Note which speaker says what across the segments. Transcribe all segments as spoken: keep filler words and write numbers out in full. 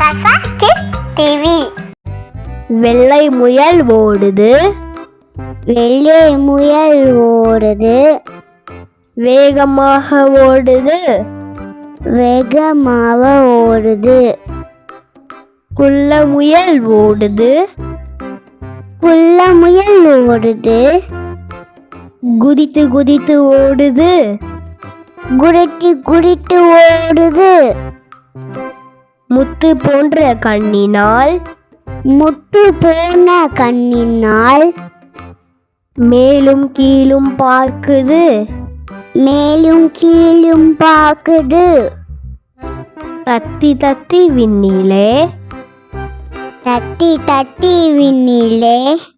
Speaker 1: கசா kids TV.
Speaker 2: வெள்ளை முயல் ஓடுது,
Speaker 3: வெள்ளை முயல் ஓடுது,
Speaker 2: வேகமாக ஓடுது,
Speaker 3: வேகமாக ஓடுது.
Speaker 2: குள்ள முயல் ஓடுது,
Speaker 3: குள்ள முயல் ஓடுது,
Speaker 2: குதித்து குதித்து ஓடுது,
Speaker 3: குடிட்டு குடிட்டு ஓடுது.
Speaker 2: முத்து போன்ற கண்ணினால்,
Speaker 3: முட்டு போன கண்ணினால்,
Speaker 2: மேலும் கீழும் பார்க்குது,
Speaker 3: மேலும் கீழும் பார்க்குது.
Speaker 2: தத்தி தத்தி விண்ணிலே,
Speaker 3: தட்டி தட்டி விண்ணிலே,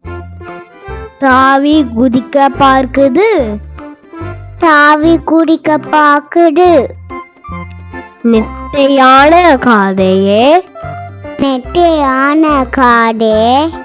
Speaker 2: தாவி குதிக்க பார்க்குது,
Speaker 3: தாவி குடிக்க பார்க்குது.
Speaker 2: நெட்டையான காதையே,
Speaker 3: நெட்டையான காடே,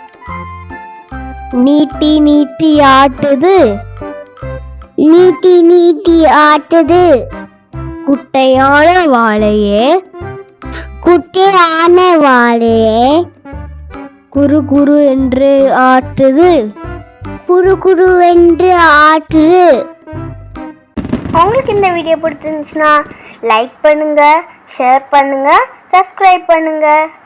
Speaker 2: நீட்டி நீட்டி ஆட்டுது,
Speaker 3: நீட்டி நீட்டி ஆட்டுது.
Speaker 2: குட்டையான வாழையே,
Speaker 3: குட்டையான வாழையே,
Speaker 2: குறு குறு என்று ஆட்டுது,
Speaker 3: குறு குருவென்று ஆட்டுது.
Speaker 1: உங்களுக்கு இந்த வீடியோ பிடிச்சிருந்துச்சுன்னா லைக் பண்ணுங்க, ஷேர் பண்ணுங்க, சப்ஸ்கிரைப் பண்ணுங்க.